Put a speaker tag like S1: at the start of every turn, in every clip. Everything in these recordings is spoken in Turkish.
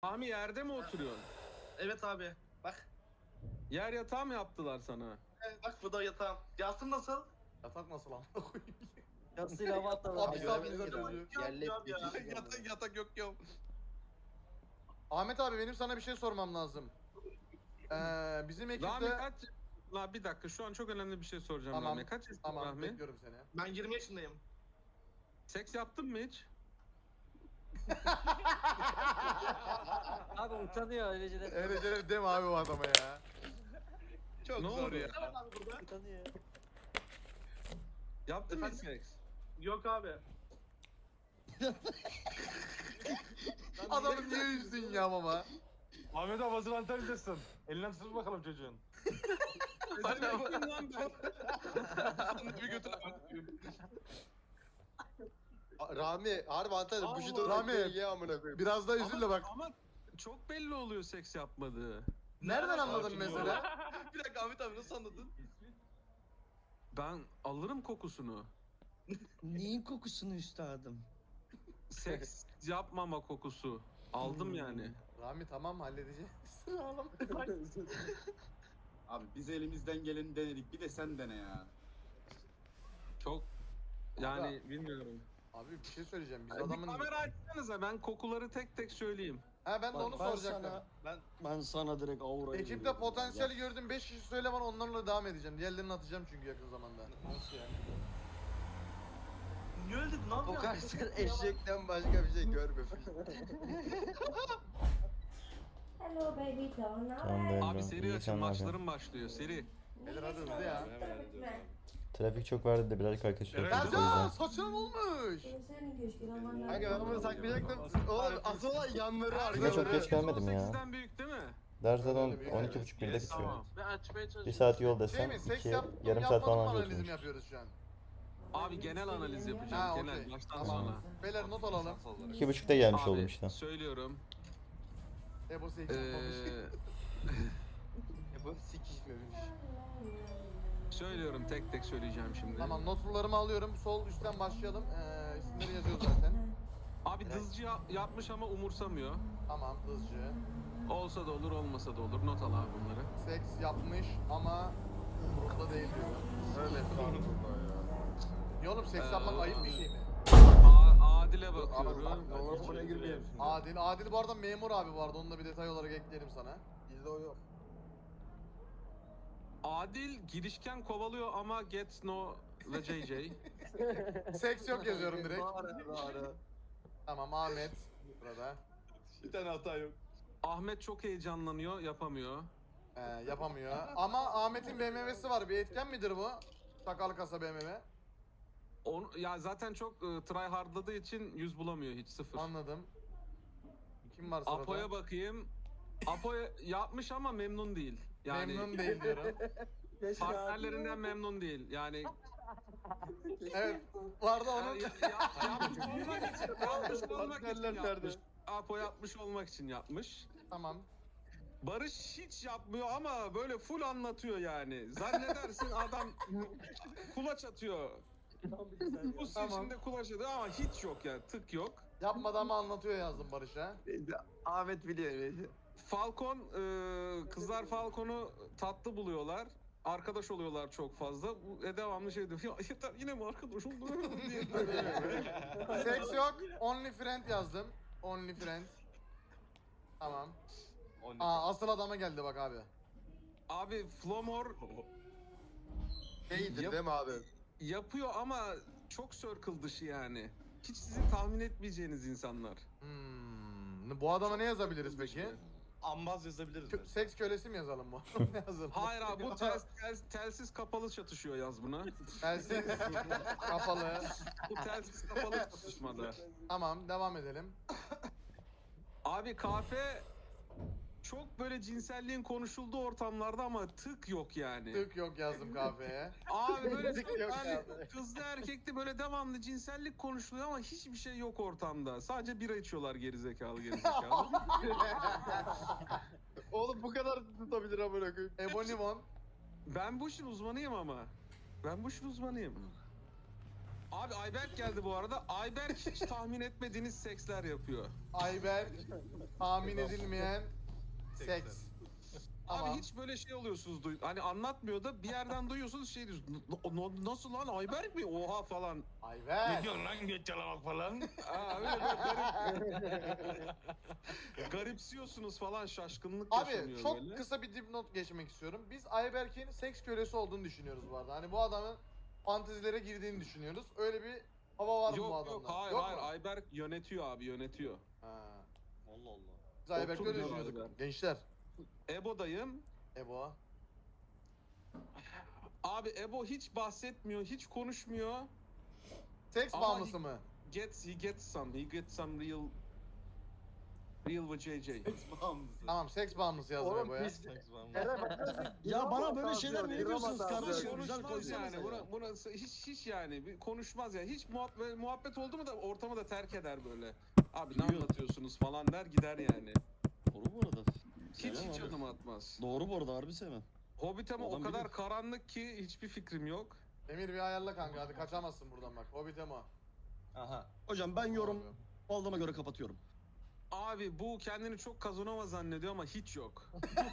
S1: Ami yerde mi oturuyorsun?
S2: Evet abi. Bak.
S1: Yer yatağı mı yaptılar sana?
S2: Bak bu da yatağım. Yastım nasıl?
S3: Yatak nasıl amına koyayım?
S4: Yasıyla hava atladı.
S3: Abi
S2: Abi,
S3: abi izletiyor.
S2: Yerle abi ya.
S5: Yatak yok ya.
S3: Ahmet abi benim sana bir şey sormam lazım. Bizim
S1: Rami
S3: ekipte...
S1: kaç... La bir dakika şu an çok önemli bir şey soracağım
S3: Tamam,
S1: Rami. Kaç yaşındasın
S3: Tamam
S1: Rami?
S3: bekliyorum seni.
S2: Ben 20 yaşındayım.
S1: Seks yaptın mı hiç?
S4: Abi utanıyor öylece de.
S3: Öyle deme abi bu adama ya.
S5: Çok
S1: Ne
S5: zor
S1: oldu?
S5: ya.
S2: Ne var abi burada?
S4: Utanıyor.
S1: Yaptın mı hiç
S2: Efendim?
S1: seks?
S2: Yok abi.
S3: Adamı niye üzdün ya baba?
S6: Ahmet abi hazır Antalya'dasın. Elinden tut bakalım çocuğun.
S1: Hadi bakayım lan ben.
S5: Bir götür.
S7: Rami harbi Antalya bu şutu
S3: Rami.
S7: ye amına koyayım.
S3: Biraz daha üzül de bak.
S1: Ama çok belli oluyor seks yapmadığı.
S3: Nereden anladın
S5: Sakin ol.
S3: mesela?
S5: Bir dakika Ahmet abi nasıl anladın?
S1: Ben alırım kokusunu.
S8: Neyin kokusunu üstadım?
S1: Seks yapmama kokusu. Aldım yani.
S3: Rami tamam halledeceğiz. Ağlama.
S9: Abi biz elimizden geleni denedik. Bir de sen dene ya.
S1: Çok yani bilmiyorum.
S3: Abi bir şey söyleyeceğim. Biz
S1: Bir
S3: adamın...
S1: kamera açsanıza ben kokuları tek tek söyleyeyim.
S3: Ha ben de onu soracaktım.
S8: Ben sana direkt aura
S3: Ekipte potansiyel gördüm 5 kişi söyle bana onlarla devam edeceğim. Diğerlerini atacağım çünkü yakın zamanda.
S5: Nasıl yani?
S2: Niye öyle dedin? Ne
S7: O
S2: yapıyorsun?
S7: kadar sen eşekten başka bir şey görmemiş.
S10: Hello baby doll.
S1: Abi seri açın maçlarım başlıyor seri.
S3: Beyler hadi hızlı ya.
S11: Trafik çok vardı da birazcık arkadaşlar
S1: Evet.
S11: yapıyorduk o
S3: Ercan
S11: yüzden.
S3: saçın olmuş.
S7: Kanka ben bunu saklayacaktım. Oğlum asıl olan yanları
S11: Bir de çok
S7: arkaları.
S11: geç gelmedim ya.
S1: 18'den büyük değil mi?
S11: Ders zaten
S3: Öyle bir-
S11: 12.30 1'de bitiyor.
S1: Tamam.
S2: Ben açmaya çalışıyorum.
S11: 1 saat yol
S3: Şey
S11: desem
S3: mi? Seks
S11: 2
S3: yaptım
S11: yarım saat
S3: yapmadım
S11: falan
S3: mı
S11: anca
S3: analizim
S11: oturmuş.
S3: yapıyoruz şu an.
S1: Abi genel analiz yapacağım.
S3: Ha,
S1: genel
S3: okey.
S1: baştan
S3: Tamam.
S1: sona.
S3: Beyler not alalım.
S11: 2.30'da gelmiş
S1: Abi
S11: oldum işte.
S1: söylüyorum.
S3: Ebo seks yapmamış.
S7: Bu sikişmemiş.
S1: Söylüyorum tek tek söyleyeceğim şimdi.
S3: Tamam notlarımı alıyorum. Sol üstten başlayalım. İsimleri yazıyoruz zaten.
S1: Abi dızcı yapmış ama umursamıyor.
S3: Tamam hızcı.
S1: Olsa da olur olmasa da olur. Not al abi bunları.
S3: Seks yapmış ama umurumda değil diyor.
S7: Evet lan
S3: Niye oğlum seks yapmak ayıp bir şey mi?
S1: Adil'e bakıyorum.
S7: Allah buna girmeyelim.
S3: Adil bu arada memur abi bu arada. Onu da bir detay olarak ekleyelim sana.
S7: Bizde o yok.
S1: Adil girişken kovalıyor ama gets no ve JJ.
S3: Seks yok yazıyorum direkt.
S7: Doğru.
S3: Tamam Ahmet. Burada.
S5: Bir tane hata yok.
S1: Ahmet çok heyecanlanıyor, yapamıyor.
S3: Yapamıyor. Ama Ahmet'in BMW'si var. Bir etken midir bu? Sakal kasa BMW.
S1: Ya zaten çok try hardladığı için 100 bulamıyor hiç sıfır.
S3: Anladım. Kim var sırada?
S1: Apo'ya bakayım. Apo yapmış ama memnun değil. Yani
S3: Memnun değil diyorum.
S1: partnerlerinden memnun değil. Yani
S3: Evet. Vardı onun.
S1: yapmış olmak için, yapmış olmak için
S5: Partnerler nerede?
S1: yapmış. Apo yapmış olmak için yapmış.
S3: Tamam.
S1: Barış hiç yapmıyor ama böyle full anlatıyor yani. Zannedersin adam kulaç atıyor. Bu
S3: Tamam.
S1: içinde kulaç atıyor ama hiç yok yani tık yok.
S3: Yapmadan mı anlatıyor yazdım Barış'a.
S7: Ahmet biliyor.
S1: Falcon, kızlar Falcon'u tatlı buluyorlar. Arkadaş oluyorlar çok fazla. Bu devamlı şey diyor. Ya yeter yine mi arkadaş olduk diye.
S3: Seks yok. Only friend yazdım. Only friend. Tamam. Asıl adama geldi bak abi.
S1: Abi Flomor
S7: Şeydir değil mi abi?
S1: yapıyor ama çok circle dışı yani. Hiç sizin tahmin etmeyeceğiniz insanlar.
S3: Bu adama ne yazabiliriz peki?
S5: Ambaz yazabiliriz.
S3: Seks kölesi mi yazalım bu? Ne yazalım?
S1: Hayır abi bu telsiz kapalı çatışıyor yaz buna.
S3: Telsiz kapalı.
S1: Bu telsiz kapalı çatışmada.
S3: Tamam devam edelim.
S1: Abi kafe çok böyle cinselliğin konuşulduğu ortamlarda ama tık yok yani.
S3: Tık yok yazdım kahveye.
S1: Abi böyle
S7: Tık yok
S1: yani
S7: abi.
S1: kızlı erkekli böyle devamlı cinsellik konuşuluyor ama hiçbir şey yok ortamda. Sadece bira içiyorlar gerizekalı.
S7: Oğlum bu kadar tutabilir amına koyayım.
S3: Ebonimon.
S1: Ben bu işin uzmanıyım ama. Ben bu işin uzmanıyım. Abi Ayberk geldi bu arada. Ayberk hiç tahmin etmediğiniz seksler yapıyor.
S3: Ayberk tahmin edilmeyen seks.
S1: Abi
S3: Tamam.
S1: hiç böyle şey oluyorsunuz. Hani anlatmıyor da bir yerden duyuyorsunuz şey diyorsunuz. Nasıl lan Ayberk mi? Oha falan.
S6: Ne
S3: Ayberk.
S6: diyorsun lan geç yalamak falan?
S1: Aa, öyle garip. Garipsiyorsunuz falan, şaşkınlık
S3: Abi
S1: yaşanıyor
S3: çok
S1: böyle.
S3: kısa bir dipnot geçmek istiyorum. Biz Ayberk'in seks kölesi olduğunu düşünüyoruz bu arada. Hani bu adamın fantezilere girdiğini düşünüyoruz. Öyle bir hava var mı bu
S1: Yok
S3: adamda?
S1: yok hayır
S3: Yok
S1: hayır
S3: mu?
S1: Ayberk yönetiyor abi, yönetiyor.
S3: Ha.
S5: Allah Allah.
S3: Biz Ayberk'le öyle
S1: Otur diyor
S3: düşünüyorduk.
S1: Ayberk.
S3: Gençler.
S1: Ebo'dayım.
S3: Ebo.
S1: Abi Ebo hiç bahsetmiyor, hiç konuşmuyor.
S3: Seks
S1: Ama
S3: bağımlısı mı?
S1: He gets some real with JJ.
S3: Tamam seks bağımlısı yazdım
S7: Oğlum
S3: Ebo'ya.
S7: biz... Eren bak nasıl...
S8: Ya bana böyle şeyler mi
S7: Drama
S8: yapıyorsunuz
S7: tarzı.
S8: kardeşim? Güzel
S1: Konuşmaz
S8: koysanız
S1: yani. Buna hiç yani konuşmaz ya. Hiç muhabbet oldu mu da ortamı da terk eder böyle. Abi ne anlatıyorsunuz falan der gider yani.
S8: Doğru bu arada.
S1: Hiç
S8: Sevmem
S1: hiç
S8: abi.
S1: adım atmaz.
S8: Doğru bu arada harbi sevmem.
S1: Hobbit ama o
S8: Adam
S1: kadar
S8: bilir.
S1: karanlık ki hiçbir fikrim yok.
S3: Emir bir ayarla kanka hadi kaçamazsın buradan bak. Hobbit Emo.
S5: Aha.
S8: Hocam ben yorum aldığıma göre kapatıyorum.
S1: Abi bu kendini çok Kazanova zannediyor ama hiç yok.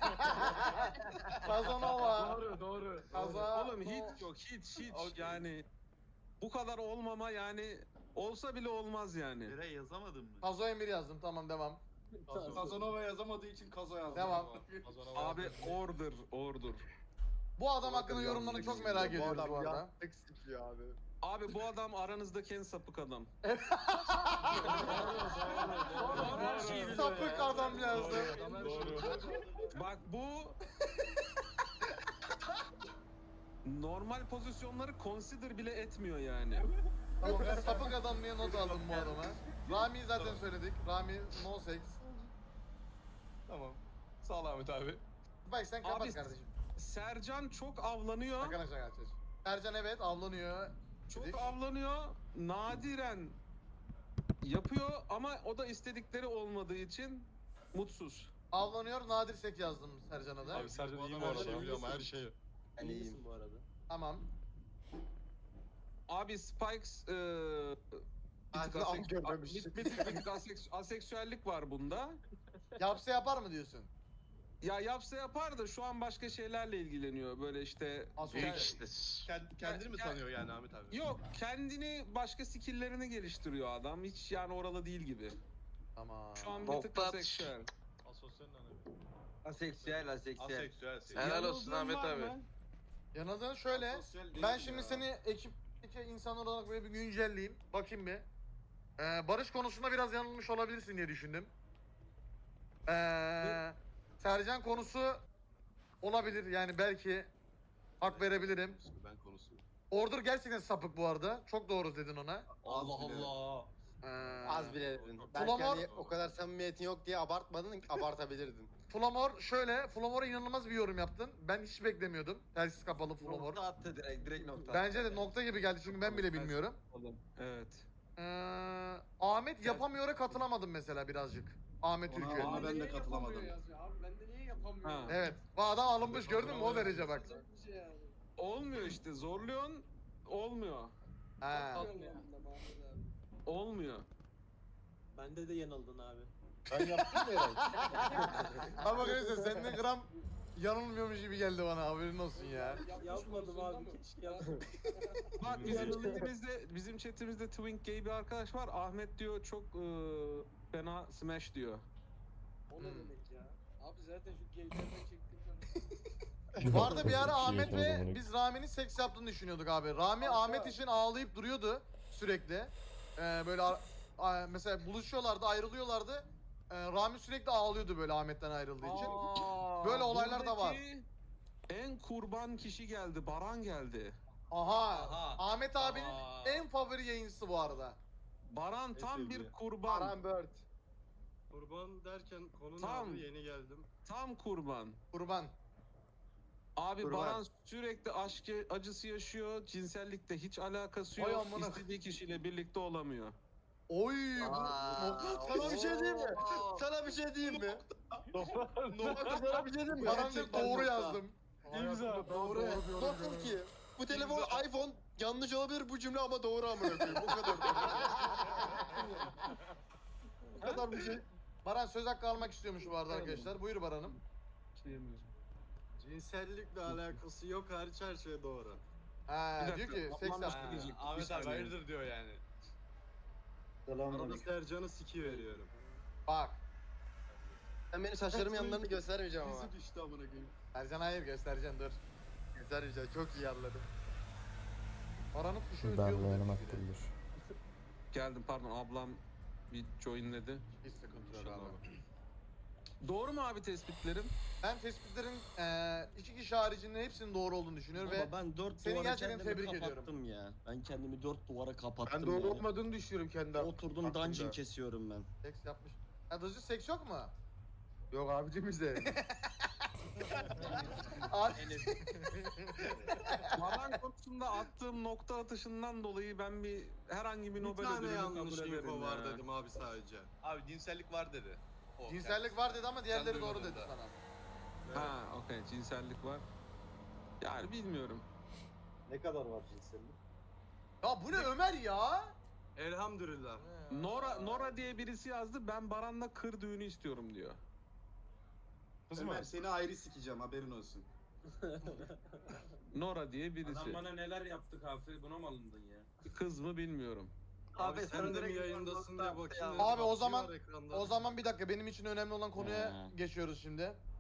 S3: Kazanova.
S2: Doğru.
S1: Oğlum hiç yok, hiç yani bu kadar olmama yani olsa bile olmaz yani.
S5: Eray yazamadın mı?
S3: Kazo Emir yazdım tamam devam.
S9: Kazanova yazamadığı için Kazo yazdı.
S3: Devam.
S1: Abi order.
S3: Bu adam hakkında yorumlarını çok merak ediyoruz bu
S7: adam
S3: arada.
S7: ya. Seks istiyor abi.
S1: Abi bu adam aranızdaki en sapık adam.
S3: Sapık adam yazdı.
S1: Bak bu normal pozisyonları consider bile etmiyor yani.
S3: Tamam ben sapık adam diye not aldım bu adama. Rami'yi zaten söyledik. Rami no sex.
S5: Tamam. Sağ ol Ahmet abi.
S3: Bak sen kapat
S1: Abi,
S3: kardeşim.
S1: Sercan çok avlanıyor.
S3: Şaka. Sercan evet avlanıyor.
S1: Çok
S3: dedik.
S1: avlanıyor. Nadiren yapıyor ama o da istedikleri olmadığı için mutsuz.
S3: Avlanıyor nadir sek yazdım Sercan'a da.
S6: Abi Sercan iyi bu
S9: Her şeyi
S6: arada.
S9: biliyorum her şeyi.
S4: Ben iyiyim bu arada.
S3: Tamam.
S1: Abi Spikes bir tık
S7: Ağzını am görmemiş.
S1: bir tık aseksüellik var bunda.
S3: Yapsa yapar mı diyorsun?
S1: Ya yapsa yapar da şu an başka şeylerle ilgileniyor. Böyle işte
S3: Asosyal.
S5: Kendini mi sanıyor yani Ahmet abi?
S1: yok, kendini başka skill'lerini geliştiriyor adam. Hiç yani oralı değil gibi.
S3: Tamam.
S1: Şu an bir tık aseksüel.
S5: Asosyal
S7: Aseksüel.
S5: Aseksüel.
S2: Helal olsun
S1: Yanıldığın
S2: Ahmet
S1: var
S2: abi.
S1: mı?
S3: Yanıldığın şöyle.
S9: Asosyal değil
S3: Ben
S9: ya.
S3: şimdi seni ekipteki insanlar olarak böyle bir güncelleyeyim. Bakayım bir. Barış konusunda biraz yanılmış olabilirsin diye düşündüm. Sercan konusu olabilir yani belki hak verebilirim.
S5: Ben konusu.
S3: Order gerçekten sapık bu arada. Çok doğru dedin ona.
S5: Allah Allah.
S7: Az bile dedin. Belki
S3: Flamor-
S7: hani o kadar samimiyetin yok diye abartmadın, abartabilirdin.
S3: Flamor şöyle, Flamor'a inanılmaz bir yorum yaptın. Ben hiç beklemiyordum. Telsiz kapalı Flamor.
S7: Nokta attı direkt nokta.
S3: Bence de nokta gibi geldi çünkü ben bile bilmiyorum.
S1: Evet.
S3: Ahmet yapamıyor'a katılamadım mesela birazcık. Ahmet Ülkü.
S9: Ona ben de katılamadım.
S2: Abi ben de niye yapamıyorum?
S1: Ha.
S3: Evet. Bu adam alınmış gördün mü o derece bak.
S1: Olmuyor işte, zorluyorsun olmuyor.
S3: Ha.
S1: Olmuyor.
S4: Bende de yanıldın abi.
S7: Ben yaptım ya Eray.
S3: Ama arkadaşlar senden gram yanılmıyormuş gibi geldi bana haberin olsun ya.
S4: Yapmadım abi, keşke yapsaydım.
S1: Bak bizim chatimizde Twink Gay bir arkadaş var. Ahmet diyor çok fena smash diyor.
S2: O ne demek ya? Abi zaten şu geylerden çektim
S3: Bu arada bir ara Ahmet
S11: Şey yapamadım
S3: ve
S11: onu.
S3: biz Rami'nin seks yaptığını düşünüyorduk abi. Rami Ahmet için ağlayıp duruyordu sürekli. Böyle mesela buluşuyorlardı, ayrılıyorlardı. Rami sürekli ağlıyordu böyle Ahmet'ten ayrıldığı için. Böyle olaylar da var.
S1: Buradaki en kurban kişi geldi. Baran geldi.
S3: Aha. Ahmet abinin en favori yayıncısı bu arada.
S1: Baran tam
S5: sevdiği.
S1: bir kurban.
S7: Aran Bird.
S2: Kurban derken konu
S1: Tam.
S2: abi yeni geldim.
S1: Tam kurban.
S3: Kurban.
S1: Abi
S7: Kurban.
S1: Baran sürekli aşk acısı yaşıyor. Cinsellikte hiç alakası
S3: Vay
S1: yok.
S3: amına.
S1: İstediği kişiyle birlikte olamıyor.
S3: Oy.
S7: Sana bir şey diyeyim mi? Sana bir şey diyeyim mi? Sana bir şey diyeyim mi?
S3: Baran bir doğru yazdım.
S6: İmza.
S7: Doğru. Nasıl ki? Bu telefon iPhone yanlış olabilir bu cümle ama doğru amına koyayım. Bu kadar. Bu kadar bir şey.
S3: Baran söz hakkı almak istiyormuş bu arada arkadaşlar. Buyur Baran'ım.
S7: Cinsellikle alakası yok hariç her şey doğru.
S3: Ha,
S1: Bir
S3: diyor
S1: dakika,
S3: ki seks
S1: ablam
S3: yaptı.
S1: başka diyecek. Bir
S5: Ahmet abi
S1: saniye.
S5: hayırdır diyor yani.
S7: Arada Sercan'ı sikiveriyorum.
S3: Bak.
S7: Ben benim saçlarımın yanlarını göstermeyeceğim ama.
S9: Bizi düştü amına koyayım.
S3: Ercan hayır göstereceksin dur.
S7: Göstermeyeceğim çok iyi anladım.
S3: Baran'ın kuşu ötüyor.
S11: Darlayanı
S3: bu
S11: makbuldür.
S1: Geldim pardon ablam bir joinledi.
S3: Hiç sıkıntı yok
S1: İnşallah.
S3: abi.
S1: Doğru mu abi tespitlerim?
S3: Ben tespitlerin iki kişi haricinde hepsinin doğru olduğunu düşünüyorum ve
S8: Baba ben 4
S3: seni
S8: duvara
S3: gerçekten
S8: kendimi
S3: tebrik ediyorum.
S8: kapattım ya. Ben kendimi 4 duvara kapattım
S7: Ben doğru
S8: ya.
S7: olmadığını düşünüyorum kendi
S8: Oturdum
S7: aklımda.
S8: dungeon kesiyorum ben.
S3: seks yapmış. Ya Dızcı seks yok mu?
S7: Yok abicim bizde.
S3: Abi,
S1: Maran konusunda attığım nokta atışından dolayı ben herhangi bir
S7: Bir
S1: Nobel
S7: tane
S1: ödülünü
S7: yanlış
S1: kabul ederim
S7: info var
S1: ya.
S7: dedim abi sadece.
S5: Abi cinsellik var dedi. O,
S3: cinsellik var dedi ama diğerleri
S5: Sen
S3: doğru
S5: duymadın
S3: dedi
S5: da.
S3: sana.
S1: Ha okey cinsellik var. Yani bilmiyorum.
S4: Ne kadar var cinsellik?
S3: Ya bu ne Ömer ya?
S7: Elhamdülillah.
S1: Nora diye birisi yazdı. Ben Baran'la kır düğünü istiyorum diyor.
S5: Kız mı?
S9: Ömer seni ayrı sikeceğim haberin olsun.
S1: Nora diye birisi.
S6: Adam bana neler yaptı kahve buna mı alındın ya?
S1: Kız mı bilmiyorum.
S7: Abi sen de mi yayındasın diye bakayım.
S3: Abi o
S7: Bakıyor
S3: zaman
S7: ekranda.
S3: o zaman bir dakika benim için önemli olan konuya
S8: Ha.
S3: geçiyoruz şimdi.